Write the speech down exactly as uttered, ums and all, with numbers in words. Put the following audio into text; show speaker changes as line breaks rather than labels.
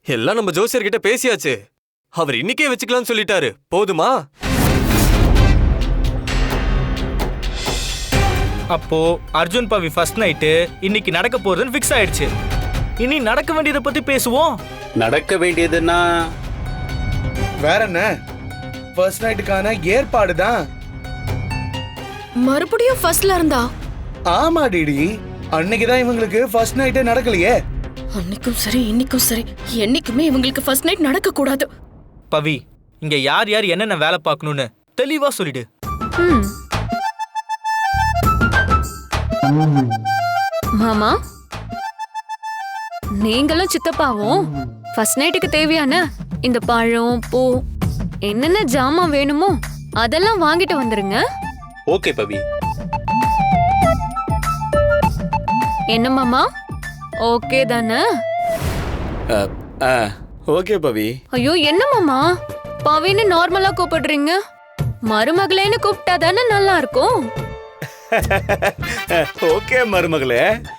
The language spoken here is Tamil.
எல்லாம் நம்ம ஜோசியர் கிட்ட பேசியாச்சு. அவர் இன்னைக்கே வச்சுக்கலாம்னு சொல்லிட்டாரு. போதுமா?
அப்போ அர்ஜுன் பவி ஃபர்ஸ்ட் நைட்டு இன்னைக்கு நடக்க போறதுன்னு ஃபிக்ஸ் ஆயிடுச்சு. இனி நடக்க வேண்டியதை பத்தி பேசுவோம்.
நடக்க வேண்டியதுன்னா
வேற என்ன, ஃபர்ஸ்ட் நைட்டுக்கான ஏற்பாடு தான்.
மறுபடியும் ஃபர்ஸ்ட்ல இருந்தா?
ஆமா டிடி, அன்னைக்குதான் இவங்களுக்கு ஃபர்ஸ்ட் நைட்டே நடக்கலையே.
அன்னைக்கும் சரி இன்னைக்கும் சரி, என்னைக்குமே இவங்களுக்கு ஃபர்ஸ்ட் நைட் நடக்க கூடாது.
பவி, இங்க யார் யார் என்னென்ன வேலை பார்க்கணும்னு தெளிவா சொல்லிடு.
மாமா, நீங்களும் சித்தப்பாவும் ஃபர்ஸ்ட் நைட்டுக்கு தேவையான இந்த பழம், பூ, என்னென்ன ஜாமான் வேணுமோ அதெல்லாம் வாங்கிட்டு வந்துருங்க.
ஓகே பவி.
என்ன மாமா, ஓகே தானே?
ஓகே பவி.
ஐயோ, என்ன மாமா பவின்னு நார்மலா கூப்பிடுறீங்க? மருமகளேன்னு கூப்பிட்டா தானே நல்லா இருக்கும்.
ஓகே மருமகளே.